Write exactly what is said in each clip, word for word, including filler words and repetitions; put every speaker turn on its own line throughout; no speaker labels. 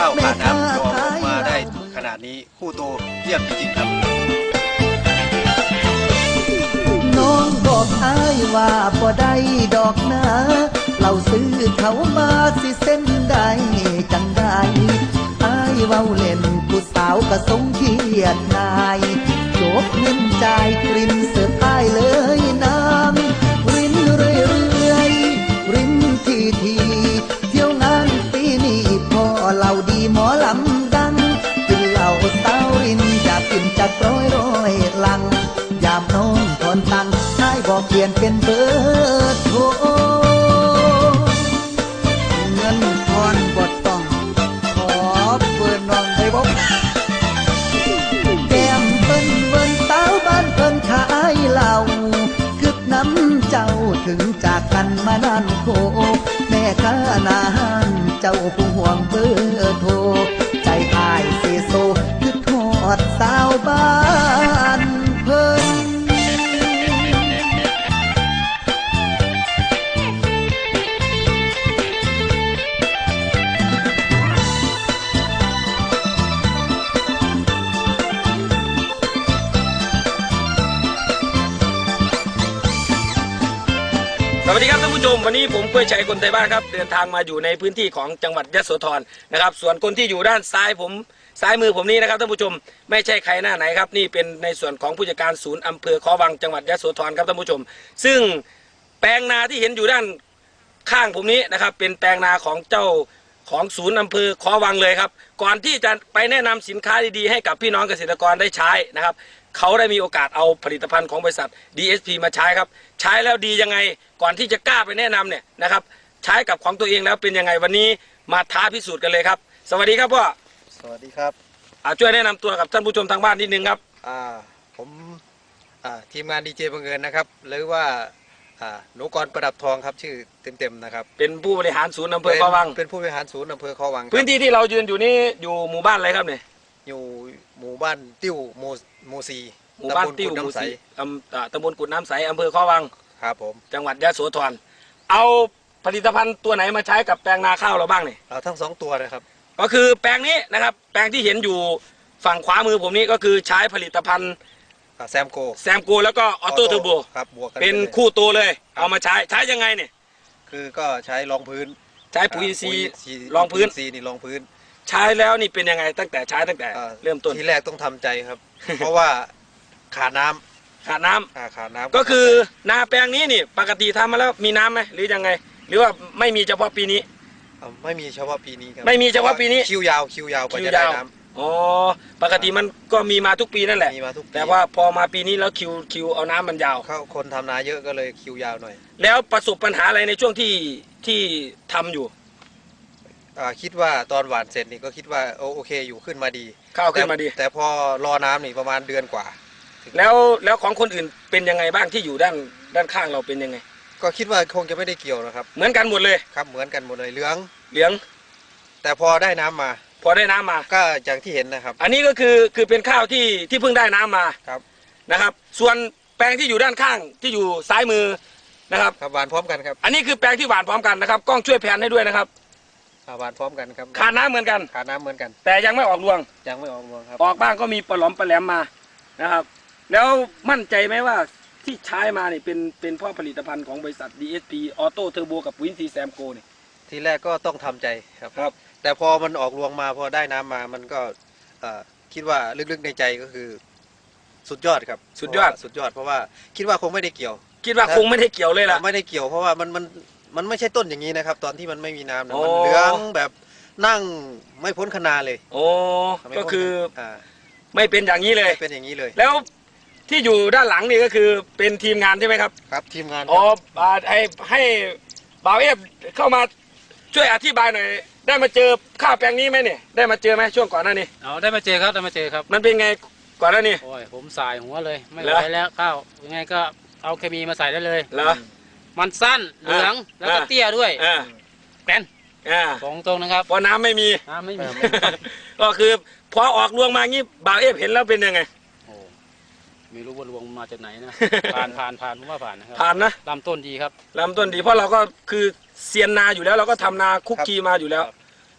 ข้าวขาดน้ำจะออกลูกมาได้ขนาดนี้คู่โตเยี่ยมจริงๆครับ
น้องบอกอ้ายว่าบ่ได้ดอกนะเราซื้อเขามาสิเส้นได้จังได้อ้ายเว้าเล่นผู้สาวก็สงเกียดนายจบเงินจ่ายกรินเสิร์ฟอ้ายเลยน้ำรินเรื่อยๆรินทีทีเที่ยวงานปีนี้พอเราดีหมอลำดังกินเหล้าสาวรินอยากกินจักร้อยร้อยลังยามน้องทอนตังให้บอกเปลี่ยนเป็นเบอร์โทรเงินทอนบดต้องขอเบอร์น้องได้บอกแก้มเปิ้นเบิ้นสาวบ้านเปิ้นขายเหล้าคึกน้ำเจ้าถึงจากกันมานานโคแม่ค้านาหันเจ้าผู้ห่วงเบอร์โทรใจอายเสโซคือทอดสาวบ้านเพิ่น
สวัสดีครับท่านผู้ชมวันนี้ผมกล้วยชัยคนไทยบ้านครับเดินทางมาอยู่ในพื้นที่ของจังหวัดยโสธรนะครับส่วนคนที่อยู่ด้านซ้ายผมซ้ายมือผมนี้นะครับท่านผู้ชมไม่ใช่ใครหน้าไหนครับนี่เป็นในส่วนของผู้จัดการศูนย์อำเภอคอวังจังหวัดยโสธรครับท่านผู้ชมซึ่งแปลงนาที่เห็นอยู่ด้านข้างผมนี้นะครับเป็นแปลงนาของเจ้าของศูนย์อำเภอคอวังเลยครับก่อนที่จะไปแนะนำสินค้าดีๆให้กับพี่น้องเกษตรกรได้ใช้นะครับเขาได้มีโอกาสเอาผลิตภัณฑ์ของบริษัท ดี เอส พี มาใช้ครับใช้แล้วดียังไงก่อนที่จะกล้าไปแนะนำเนี่ยนะครับใช้กับของตัวเองแล้วเป็นยังไงวันนี้มาท้าพิสูจน์กันเลยครับสวัสดีครับพ่อ
สวัสดีครับ
ช่วยแนะนำตัวกับท่านผู้ชมทางบ้านนิดนึงครับ
อ่าผมอ่าทีมงานดีเจบังเอิญนะครับหรือว่าอ่าหนูกรประดับทองครับชื่อเต็มๆนะครับ
เป็นผู้บริหารศูนย์อำเภอคอวัง
เป็นผู้บริหารศูนย์อำเภอคอวัง
พื้นที่ที่เรายืนอยู่นี้อยู่หมู่บ้านอะไรครับเนี่ย
อยู่หมู่บ้านติ้วโมโมซี
หมู่บ้านติ้วหมู่ซีตำบลกุดน้ำใสอำเภอคอวัง
ครับผม
จังหวัดยโสธรเอาผลิตภัณฑ์ตัวไหนมาใช้กับแปลงนาข้าวเราบ้างเนี่ย
เอาทั้งสองตัวนะครับ
ก็คือแปลงนี้นะครับแปลงที่เห็นอยู่ฝั่งขวามือผมนี้ก็คือใช้ผลิตภัณฑ์
แซมโก
แซมโกแล้วก็ออโต้เทอร์โบ
ครับบวกกัน
เป็นคู่ตัวเลยเอามาใช้ใช้ยังไงเนี่ย
คือก็ใช้รองพื้น
ใช้ปุ๋ยซีรองพื้น
ซีนี่รองพื้น
ใช้แล้วนี่เป็นยังไงตั้งแต่ใช้ตั้งแต่เริ่มต้น
ทีแรกต้องทำใจครับ เพราะว่าขาดน้ำ
ขาดน้ำ
ขาดน้ำ
ก็คือนาแปลงนี้นี่ปกติทำมาแล้วมีน้ำไหมหรือยังไงหรือว่าไม่มีเฉพาะปีนี้
ไม่มีเฉพาะปีนี้ครับ
ไม่มีเฉพาะปีนี้
คิวยาวคิวยาวกว่าจะได้น้ำ
อ๋อปกติมันก็มีมาทุกปีนั่นแหละ
มีมาทุกปี
แต่ว่าพอมาปีนี้แล้วคิวคิวเอาน้ำมันยาว
เขาคนทำนาเยอะก็เลยคิวยาวหน่อย
แล้วประสบปัญหาอะไรในช่วงที่ที่ทำอยู่
คิดว่าตอนหวานเสร็จนี่ก็คิดว่าโอเคอยู่ขึ้นมาดี
ข้าวขึ้นมาดี
แต่พอรอน้ำนี่ประมาณเดือนกว่า
แล้วแล้วของคนอื่นเป็นยังไงบ้างที่อยู่ด้านด้านข้างเราเป็นยังไง
ก็คิดว่าคงจะไม่ได้เกี่ยวนะครับ
เหมือนกันหมดเลย
ครับเหมือนกันหมดเลยเหลือง
เหลือง
แต่พอได้น้ำมา
พอได้น้ำมา
ก็อย่างที่เห็นนะครับ
อันนี้ก็คือคือเป็นข้าวที่ที่เพิ่งได้น้ำมา
ครับ
นะครับส่วนแปลงที่อยู่ด้านข้างที่อยู่ซ้ายมือนะครับ
ครับหวานพร้อมกันครับ
อันนี้คือแปลงที่หวานพร้อมกันนะครับกล้องช่วยแผนให้ด้วยนะครับ
หวานพร้อมกันครับ
ขาดน้ำเหมือนกัน
ขาดน้ำเหมือนกัน
แต่ยังไม่ออกรวง
ยังไม่ออกรวงครับ
ออกบ้างก็มีปลาหลอมปลาแหลมมานะครับแล้วมั่นใจไหมว่าที่ใช้มาเนี่ยเป็นเป็นเพราะผลิตภัณฑ์ของบริษัท ดี เอส พี ออโต้เทอร์โบกับปุ๋ยซีแซมโกเนี่ย
ทีแรกก็ต้องทำใจครับ
ครับ
แต่พอมันออกรวงมาพอได้น้ำมามันก็คิดว่าลึกๆในใจก็คือสุดยอดครับ
สุดยอด
สุดยอดเพราะว่าคิดว่าคงไม่ได้เกี่ยว
คิดว่าคงไม่ได้เกี่ยวเลยล่ะ
ไม่ได้เกี่ยวเพราะว่ามันมันมันไม่ใช่ต้นอย่างนี้นะครับตอนที่มันไม่มีน้ำนะมันเหลืองแบบนั่งไม่พ้นคนาเลย
โอ้ก็คือไม่เป็นอย่างนี้เลย
เป็นอย่างนี้เลย
แล้วที่อยู่ด้านหลังนี่ก็คือเป็นทีมงานใช่ไหมครับ
ครับทีมงาน
อ๋อให้ให้บ่าวเอฟเข้ามาช่วยอธิบายหน่อยได้มาเจอข้าวแปลงนี้ไหมเนี่ยได้มาเจอไหมช่วงก่อนหน้านี้
อ๋อได้มาเจอครับได้มาเจอครับ
มันเป็นไงก่อนหน้านี้
โอ้ยผมสายหัวเลยไม่ไหวแล้วข้าวยังไงก็เอาเคมีมาใส่ได้เลย
เหรอ
มันสั้นเหลืองแล้วก็เตี้ยด้วยแป้นสองตรงนะครับ
พอน้ำไม่มี
น้ำไม่มี
ก็คือพอออกรวงมางี้บ่าวเอฟเห็นแล้วเป็นยังไง
ไม่รู้ว่ารวงมาจากไหนนะผ่านผ่านผ่านผมว่าผ่านนะครับ
ผ่านนะ
ลำต้นดีครับ
ลำต้นดีเพราะเราก็คือเซียนนาอยู่แล้วเราก็ทำนาคุกคีมาอยู่แล้ว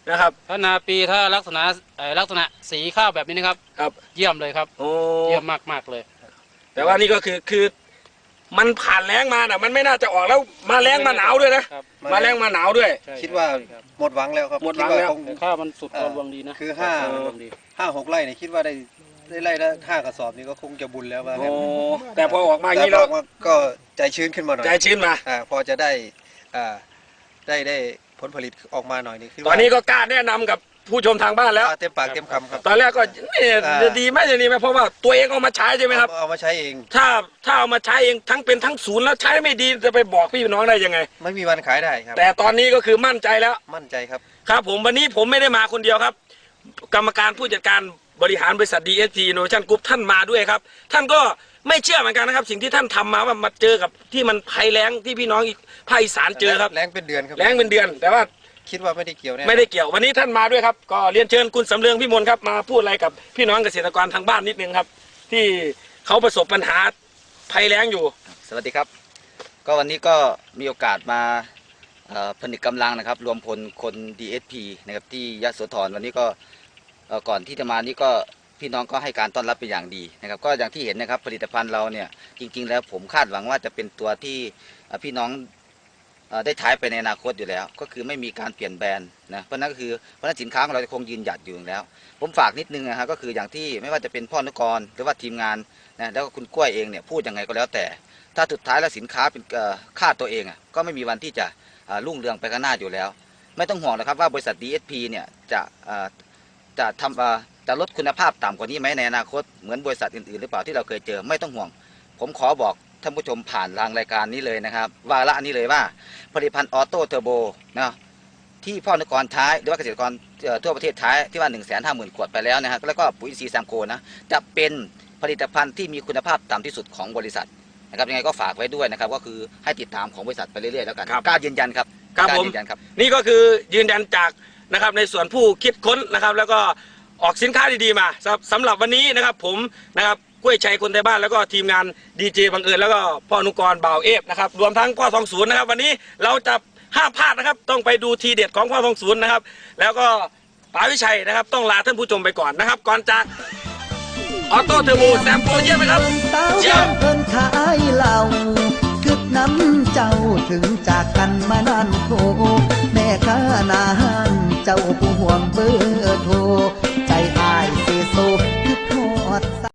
นะครับ
ถ้านาปีถ้าลักษณะเอ่อลักษณะสีข้าวแบบนี้นะครับ
ครับ
เยี่ยมเลยครับ
โอ้
เยี่ยมมากมากๆเลย
แต่ว่านี่ก็คือคือมันผ่านแล้งมาน่ะมันไม่น่าจะออกแล้วมาแล้งมาหนาวด้วยนะครับ มาแล้งมาหนาวด้วย
ใช่
คิดว่า
ครับ
หมดหวังแล้วครับ
หมดหวัง
คิา
แล้ว
คง
แต่ข้าวมันสุด
เอ่
พ
อ
อรวงดีนะ
คือห้า
พอรวงดี
ห้าหกไร่เนี่ยคิดว่าได้ได้ไร่ละห้ากระสอบนี่ก็คงจะบุญแล้วว่า
โอ้
งั้น
แต่พอออกมาอย่าง
แต่
นี้แล้ว
พอก็ใจชื้นขึ้นมาหน่อย
ใจชื้นมา
อ่าพอจะได้อ่าได้ได้ผลผลิตออกมาหน่อยนี่คือ
ตอนนี้ก็กล้าแนะนำกับผู้ชมทางบ้านแล้ว
อ่าเต็มปากเต็มคำครับ
ตอนแรกก็นี่
อ่า
จะดีไหมจะดีไหมเพราะว่าตัวเองเอามาใช้ใช่ไหมครับ
เอาเอามาใช้เอง
ถ้าถ้าเอามาใช้เองทั้งเป็นทั้งศูนย์แล้วใช้ไม่ดีจะไปบอกพี่น้องได้ยังไง
ไม่มีวันขายได้ครับ
แต่ตอนนี้ก็คือมั่นใจแล้ว
มั่นใจครับ
ครับผมวันนี้ผมไม่ได้มาคนเดียวครับ กรรมการผู้จัดการบริหารบริษัท ดี เอส พี Innovation Group ท่านมาด้วยครับ ท่านก็ไม่เชื่อเหมือนกันนะครับ สิ่งที่ท่านทำมาว่ามาเจอกับที่มันภัยแล้งที่พี่น้องอีกภาคอีสานเจอครับ
แรงเป็นเดือนครับ
แล้งเป็นเดือน แต่ว่า
คิดว่าไม่ได้เกี่ยวแน่
ไม่ได้เกี่ยววันนี้ท่านมาด้วยครับ ก็เรียนเชิญคุณสำเรืองพี่มนครับมาพูดอะไรกับพี่น้องเกษตรกรทางบ้านนิดนึงครับ ที่เขาประสบปัญหาภัยแล้งอยู่
สวัสดีครับ ก็วันนี้ก็มีโอกาสมาเอ่อผนึกกำลังนะครับ รวมพลคน ดี เอส พี นะครับที่ยโสธรวันนี้ก็เอ่อก่อนที่จะมานี่ก็พี่น้องก็ให้การต้อนรับเป็นอย่างดีนะครับ ก็อย่างที่เห็นนะครับผลิตภัณฑ์เราเนี่ยจริงๆแล้วผมคาดหวังว่าจะเป็นตัวที่เอ่อพี่น้องเอ่อได้ใช้ไปในอนาคตอยู่แล้ว ก็คือไม่มีการเปลี่ยนแบรนด์นะเพราะนั่นก็คือเพราะนั้นสินค้าของเราจะคงยืนหยัดอยู่อยู่แล้ว ผมฝากนิดนึงนะฮะก็คืออย่างที่ไม่ว่าจะเป็นพ่อนุกรหรือว่าทีมงานนะแล้วก็คุณกล้วยเองเนี่ยพูดยังไงก็แล้วแต่ ถ้าสุดท้ายแล้วสินค้าเป็นเอ่อค่าตัวเองอ่ะก็ไม่มีวันที่จะอ่ารุ่งเรืองไปข้างหน้าอยู่แล้ว ไม่ต้องห่วงนะครับว่าบริษัท ดี เอส พี เนี่ยจะอ่าจะทำอ่าจะลดคุณภาพต่ำกว่านี้ไหมในอนาคตเหมือนบริษัทอื่นๆหรือเปล่าที่เราเคยเจอไม่ต้องห่วง ผมขอบอกท่านผู้ชมผ่านทางรายการนี้เลยนะครับวาระนี้เลยว่าผลิตภัณฑ์ออโต้เทอร์โบนะที่พ่อนุกรใช้หรือว่าเกษตรกรเอ่อทั่วประเทศใช้ที่ว่าหนึ่งแสนห้าหมื่นขวดไปแล้วนะฮะแล้วก็ปุ๋ยอินทรีย์แซมโกนะจะเป็นผลิตภัณฑ์ที่มีคุณภาพต่ำที่สุดของบริษัท นะครับยังไงก็ฝากไว้ด้วยนะครับก็คือให้ติดตามของบริษัทไปเรื่อยๆแล้วกัน
ครับ
กล้ายืนยันครับ
ครับ
กล้า
ผม
ยืนยันครับ
นี่ก็คือยืนยันจากนะครับในส่วนผู้คิดค้นนะครับ แล้วก็ออกสินค้าดีๆมาสำหรับสำหรับวันนี้นะครับผมนะครับกล้วยชัยคนไทยบ้านแล้วก็ทีมงานดีเจบังเอิญแล้วก็พ่อนุกรบ่าวเอฟนะครับรวมทั้งพ่อทองศูนย์นะครับ วันนี้เราจะห้ามพลาดนะครับ ต้องไปดูทีเด็ดของพ่อทองศูนย์นะครับ แล้วก็ป๋าวิชัยนะครับต้องลาท่านผู้ชมไปก่อนนะครับ ก่อนจากออโต้เทอร์โบแซมโปเยี่ยมไหมครับ
สาว
เยี่ยม
เพิ่นขายเหล้าคึกน้ำเจ้าถึงจากกันมานานโคแม่ค้าหนาห้านเจ้าผู้ห่วงเบอร์โทร